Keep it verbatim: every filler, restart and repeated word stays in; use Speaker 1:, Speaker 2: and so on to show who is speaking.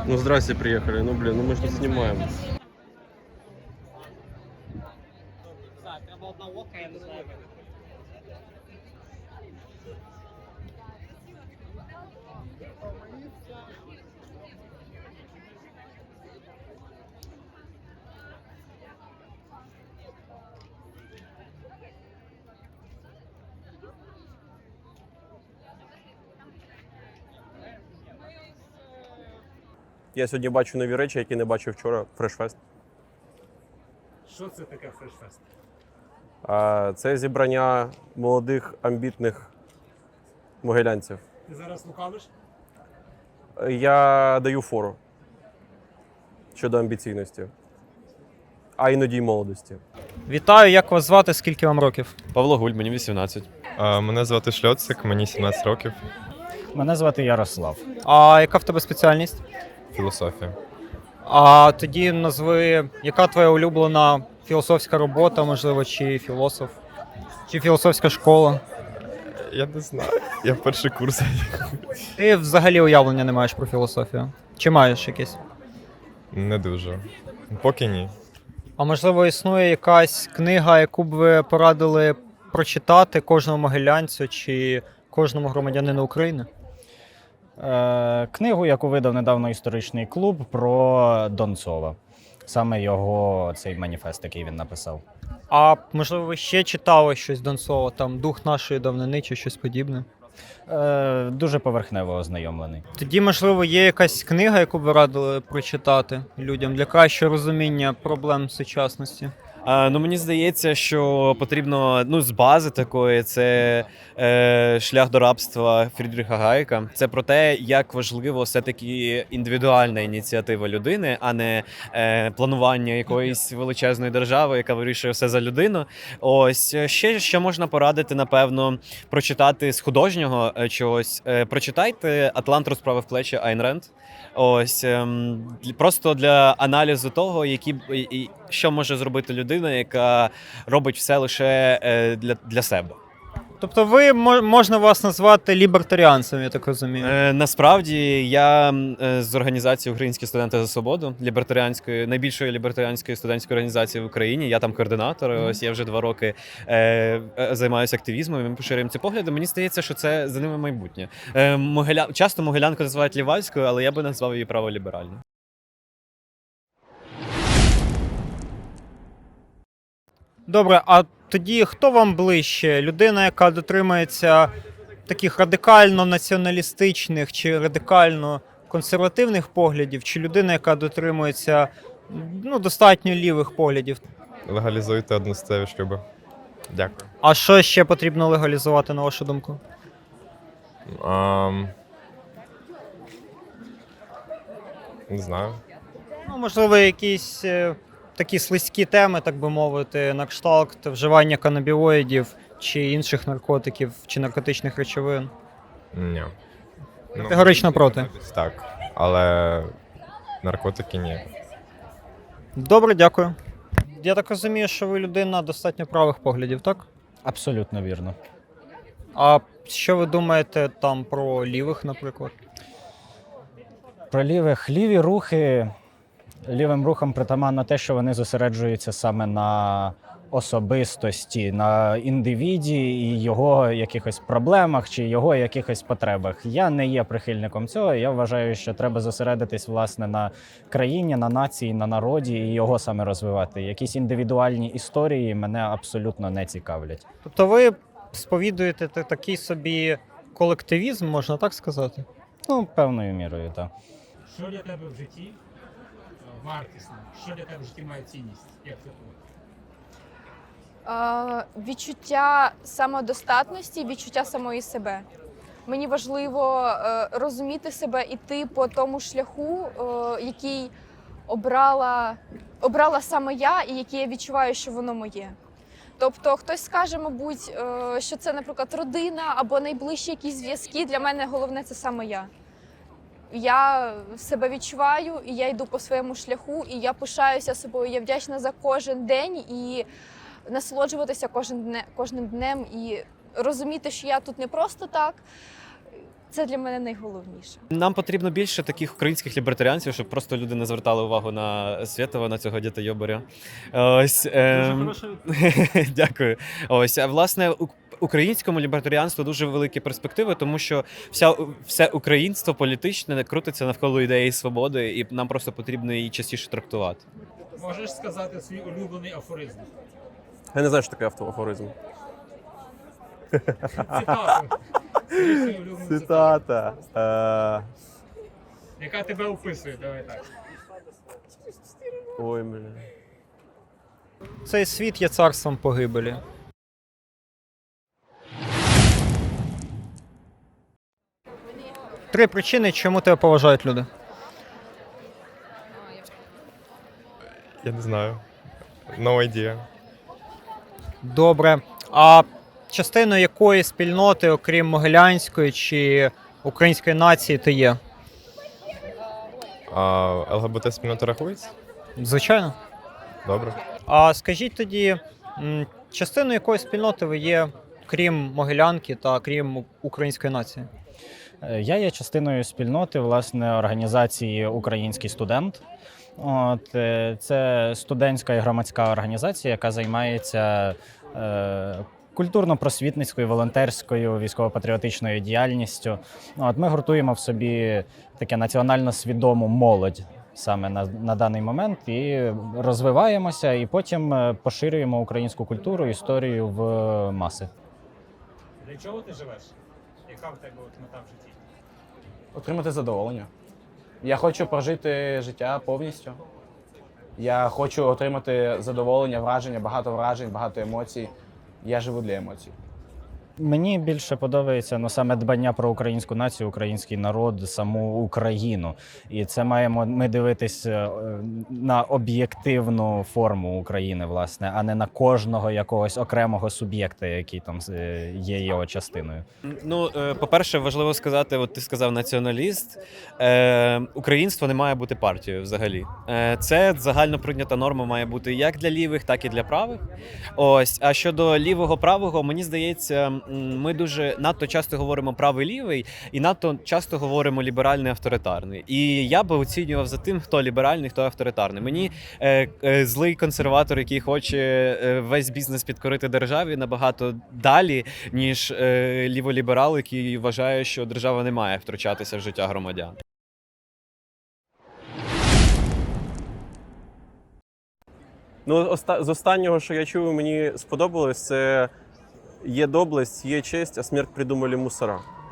Speaker 1: Ну здрасте, приехали. Ну блин, ну мы же снимаем. Я сьогодні бачу нові речі, які не бачив вчора. Фрешфест.
Speaker 2: Що це таке фрешфест?
Speaker 1: А, це зібрання молодих, амбітних могилянців.
Speaker 2: Ти зараз лукавиш?
Speaker 1: Я даю фору щодо амбіційності, а іноді й молодості.
Speaker 3: Вітаю, як вас звати, скільки вам років?
Speaker 4: Павло Гуль, мені вісімнадцять.
Speaker 5: А, Мене звати Шльоцик, мені сімнадцять років.
Speaker 6: Мене звати Ярослав.
Speaker 3: А яка в тебе спеціальність?
Speaker 5: Філософія.
Speaker 3: А тоді назви, яка твоя улюблена філософська робота, можливо, чи філософ, чи філософська школа?
Speaker 5: Я не знаю. Я в перший курс.
Speaker 3: Ти взагалі уявлення не маєш про філософію? Чи маєш якесь?
Speaker 5: Не дуже. Поки ні.
Speaker 3: А можливо, існує якась книга, яку б ви порадили прочитати кожному могилянцю чи кожному громадянину України?
Speaker 6: Е, книгу, яку видав недавно історичний клуб про Донцова. Саме його цей маніфест, який він написав.
Speaker 3: А можливо, ви ще читали щось Донцова, там «Дух нашої давнини» чи щось подібне?
Speaker 6: Е, дуже поверхнево ознайомлений.
Speaker 3: Тоді, можливо, є якась книга, яку б ви радили прочитати людям для кращого розуміння проблем сучасності?
Speaker 4: А, ну мені здається, що потрібно ну з бази такої це е, шлях до рабства Фрідріха Гайка. Це про те, як важливо все-таки індивідуальна ініціатива людини, а не е, планування якоїсь величезної держави, яка вирішує все за людину. Ось ще що можна порадити, напевно, прочитати з художнього е, чогось. Е, прочитайте «Атлант розправив плечі» Айн Ренд. Ось ем, просто для аналізу того, які і, і, що може зробити людина, яка робить все лише е, для, для себе.
Speaker 3: Тобто ви можна вас назвати лібертаріанцем, я так розумію.
Speaker 4: Е, насправді я е, з організації Українські студенти за свободу, лібертаріанської, найбільшої лібертаріанської студентської організації в Україні. Я там координатор. Mm-hmm. Ось я вже два роки е, е, займаюся активізмом. Ми поширюємо ці погляди. Мені здається, що це за ними майбутнє. Е, Могиля... Часто Могилянку називають лівацькою, але я би назвав її праволіберальною.
Speaker 3: Добре, а тоді хто вам ближче? Людина, яка дотримується таких радикально націоналістичних чи радикально консервативних поглядів, чи людина, яка дотримується ну, достатньо лівих поглядів?
Speaker 5: Легалізуйте одностатеві шлюби. Дякую.
Speaker 3: А що ще потрібно легалізувати, на вашу думку?
Speaker 5: Um... Не знаю.
Speaker 3: Ну, можливо, якісь е, такі слизькі теми, так би мовити, на кшталт вживання канабіоїдів чи інших наркотиків, чи наркотичних речовин.
Speaker 5: Ні. Ну,
Speaker 3: Категорично проти.
Speaker 5: Так. Але наркотики ні.
Speaker 3: Добре, дякую. Я так розумію, що ви людина достатньо правих поглядів, так?
Speaker 6: Абсолютно вірно.
Speaker 3: А що ви думаєте там про лівих, наприклад?
Speaker 6: Про лівих. Ліві рухи, лівим рухам притаманно те, що вони зосереджуються саме на особистості, на індивіді і його якихось проблемах чи його якихось потребах. Я не є прихильником цього. Я вважаю, що треба зосередитись, власне, на країні, на нації, на народі і його саме розвивати. Якісь індивідуальні історії мене абсолютно не цікавлять.
Speaker 3: Тобто ви сповідуєте та- такий собі колективізм, можна так сказати?
Speaker 6: Ну, певною мірою, так.
Speaker 2: Що для тебе в житті е, вартісне? Що для тебе в житті має цінність? Як це було?
Speaker 7: Е, відчуття самодостатності, відчуття самої себе. Мені важливо е, розуміти себе, іти по тому шляху, е, який обрала, обрала саме я і який я відчуваю, що воно моє. Тобто хтось скаже, мабуть, е, що це, наприклад, родина або найближчі якісь зв'язки. Для мене головне – це саме я. Я себе відчуваю, і я йду по своєму шляху, і я пишаюся собою, я вдячна за кожен день і насолоджуватися кожен дне, кожним днем і розуміти, що я тут не просто так. Це для мене найголовніше.
Speaker 4: Нам потрібно більше таких українських лібертаріанців, щоб просто люди не звертали увагу на Свєтова, на цього дітойобаря. Ось, ем... Дякую. Ось, а власне, у- українському лібертаріанству дуже великі перспективи, тому що вся, все українство політичне крутиться навколо ідеї свободи, і нам просто потрібно її частіше трактувати.
Speaker 2: Можеш сказати свій улюблений афоризм?
Speaker 1: Я не знаю, що таке автоафоризм.
Speaker 2: Цитату. Скажи свою улюблену цитату.
Speaker 1: Цитата. Е,
Speaker 2: Яка тебе описує, давай так.
Speaker 1: Ой, бля.
Speaker 3: Цей світ є царством погибелі. Три причини, чому тебе поважають люди.
Speaker 5: Я не знаю. No idea.
Speaker 3: Добре. А частиною якої спільноти, окрім могилянської чи української нації, ти є?
Speaker 5: А ЛГБТ спільнота рахується?
Speaker 3: Звичайно.
Speaker 5: Добре.
Speaker 3: А скажіть тоді, м, частиною якої спільноти ви є, крім могилянки та крім української нації?
Speaker 6: Е, Я є частиною спільноти, власне, організації Український студент. От, е, це студентська і громадська організація, яка займається е, культурно-просвітницькою, волонтерською, військово-патріотичною діяльністю. От, ми гуртуємо в собі таке національно свідому молодь саме на, на даний момент і розвиваємося, і потім е, поширюємо українську культуру, історію в маси.
Speaker 2: Для чого ти живеш? Яка в тебе от мета в житті?
Speaker 8: Отримати задоволення. Я хочу прожити життя повністю. Я хочу отримати задоволення, враження, багато вражень, багато емоцій. Я живу для емоцій.
Speaker 6: Мені більше подобається ну, саме дбання про українську націю, український народ, саму Україну. І це маємо ми дивитись е, на об'єктивну форму України, власне, а не на кожного якогось окремого суб'єкта, який там е, є його частиною.
Speaker 4: Ну, е, по-перше, важливо сказати, от ти сказав націоналіст. Е, Українство не має бути партією взагалі. Е, Це загально прийнята норма має бути як для лівих, так і для правих. Ось, а щодо лівого-правого, мені здається, м, ми дуже надто часто говоримо правий-лівий і надто часто говоримо ліберальний-авторитарний. І я би оцінював за тим, хто ліберальний, хто авторитарний. Мені е, е, злий консерватор, який хоче е, весь бізнес підкорити державі, набагато далі, ніж е, ліволіберал, який вважає, що держава не має втручатися в життя громадян.
Speaker 1: Ну, оста- з останнього, що я чув, мені сподобалось, це є доблесть, є честь, а смерть придумали мусора.